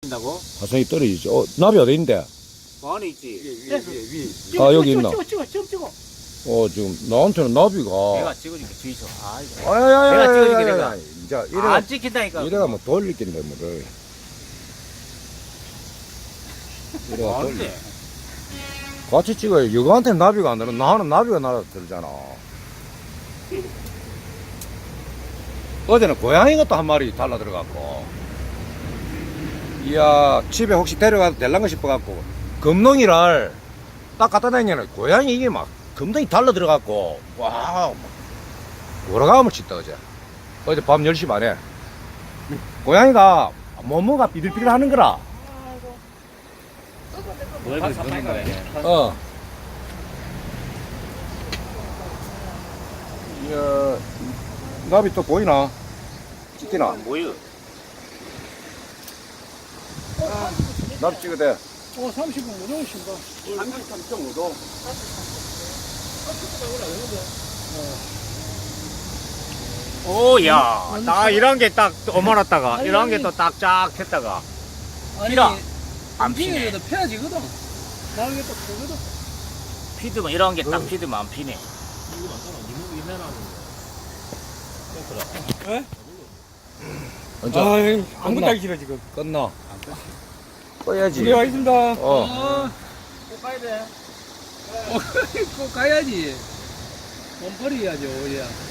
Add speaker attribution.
Speaker 1: 다고
Speaker 2: 화성이 떨어지지. 나비 어디 있는데?
Speaker 1: 뭐 안에 있지?
Speaker 3: 찍어,
Speaker 2: 아, 여기
Speaker 3: 찍어,
Speaker 2: 있나?
Speaker 3: 찍어, 찍어.
Speaker 2: 지금 나한테는 나비가.
Speaker 1: 내가 찍어줄게 주의소. 아 이거.
Speaker 2: 아야야야야.
Speaker 1: 내가 찍어줄게, 내가.
Speaker 2: 자,
Speaker 1: 안 찍힌다니까.
Speaker 2: 이래가 뭐 돌릴 낀데 뭐를. 이래가 돌리.
Speaker 1: 안돼.
Speaker 2: 같이 찍어요. 여가한테는 나비가 안 들어. 나는 나비가 날아들잖아. 어제는 고양이가 또 한 마리 달라 들어갔고. 이야, 집에 혹시 데려가도 될란가 싶어갖고, 금농이를 딱 갖다 다니면 고양이 이게 막 금덩이 달라 들어갔고, 와, 돌아가면 짓다, 어제. 어제 밤 10시 반에. 고양이가 몸무가 비들비들 하는 거라.
Speaker 1: 뭘 그렇게 걷는 거야?
Speaker 2: 이야, 나비 또 보이나? 찍히나?
Speaker 1: 뭐요?
Speaker 2: 나비 찍어야 돼.
Speaker 3: 30분 못 오신다.
Speaker 2: 33.5도.
Speaker 1: 오야, 딱 이런 게 딱 어머났다가 이런 게 또 딱 쫙 했다가 피라 안 피네.
Speaker 3: 도 펴지거든. 나는 또 크거든.
Speaker 1: 피드면 이런 게 딱 피드면 안 피네.
Speaker 2: 언제?
Speaker 3: 아무것도 하기 싫어, 지금.
Speaker 2: 끝나. 꺼야지.
Speaker 3: 집에 와 있습니다.
Speaker 2: 어.
Speaker 3: 꼭 가야 돼. 꼭 가야지. 몸풀이 해야죠, 우리야.